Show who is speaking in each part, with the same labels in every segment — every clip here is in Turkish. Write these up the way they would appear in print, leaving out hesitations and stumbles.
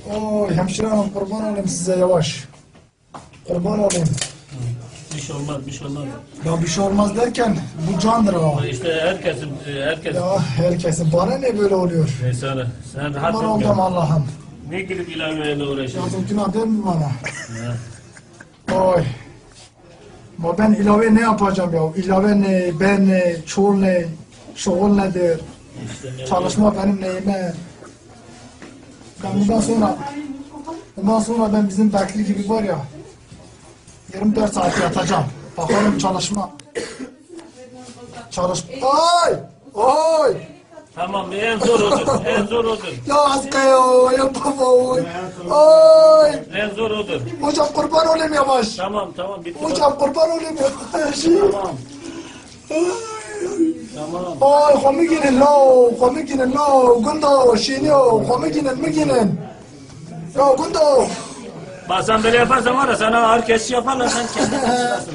Speaker 1: Oy hemşire hanım kurban olayım size yavaş. Kurban olayım.
Speaker 2: Bir şey olmaz, bir şey olmaz.
Speaker 1: Ya bir şey olmaz derken bu candır ha.
Speaker 2: İşte herkesin.
Speaker 1: Ya herkesin bana ne böyle oluyor?
Speaker 2: Neyse sen rahat
Speaker 1: Kurban
Speaker 2: ol.
Speaker 1: oldum Allah'ım.
Speaker 2: Ne gidip ilaveyle uğraşıyorsun?
Speaker 1: Yazık günah değil mi bana? Oy. Ama ben ilave ne yapacağım ya? İlave ne, ben ne, çoğul ne, şoğul nedir?
Speaker 2: İşte
Speaker 1: Çalışma benim neyime? Ben bundan sonra ben bizim Bekli gibi var ya 24 saat yatacağım. Bakalım çalışma. Oy! Oy!
Speaker 2: Tamam en zor odur. En zor odur.
Speaker 1: Ya aska ya baba oy! Oy!
Speaker 2: En zor odur.
Speaker 1: Hocam kurban olayım yavaş.
Speaker 2: Tamam bitti.
Speaker 1: Hocam kurban olayım yavaş.
Speaker 2: Tamam. Tamam.
Speaker 1: Oy komikinin lo, gundo, şiniyo, komikinin mi ginin? Yo gundo.
Speaker 2: Bak sen böyle yaparsan var ya sana ağır kesiş yaparlar sen kendin çıkarsın.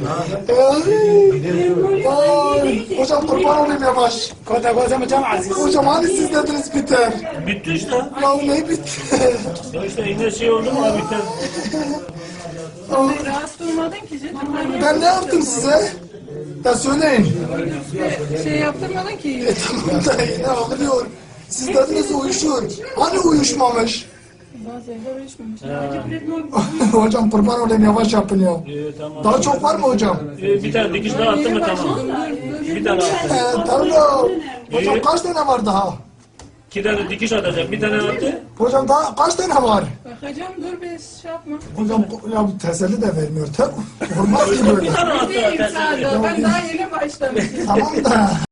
Speaker 1: Oy, hocam kurban olayım yavaş. Hocam hani siz dediniz biter.
Speaker 2: Bitti işte.
Speaker 1: Ya ne bitti?
Speaker 2: Ya işte yine şey oldu mu abi biter.
Speaker 3: Rahatsız olmadın ki canım.
Speaker 1: Ben ne yaptım size? Ya söyleyin.
Speaker 3: Şey yaptırmadın ki.
Speaker 1: Tamam da yine ağlıyor. Siz dediniz uyuşur. Hani uyuşmamış?
Speaker 3: Bazı evler uyuşmamış.
Speaker 1: Hocam kurban olayım yavaş yapın ya.
Speaker 2: Tamam.
Speaker 1: Daha çok var mı hocam?
Speaker 2: Bir tane dikiş daha attın mı tamam. Bir tane attı.
Speaker 1: Tamam. Hocam kaç tane var daha?
Speaker 2: 2 tane dikiş atacak. Bir tane attı.
Speaker 1: Hocam daha kaç tane var?
Speaker 3: Bakacağım dur be şey yapma.
Speaker 1: Hocam ya bu teselli de vermiyor. Olmaz ki böyle.
Speaker 2: Bir tane attı.
Speaker 3: Değilim sadece. Ben daha yeni başlamışım.
Speaker 1: Tamam da.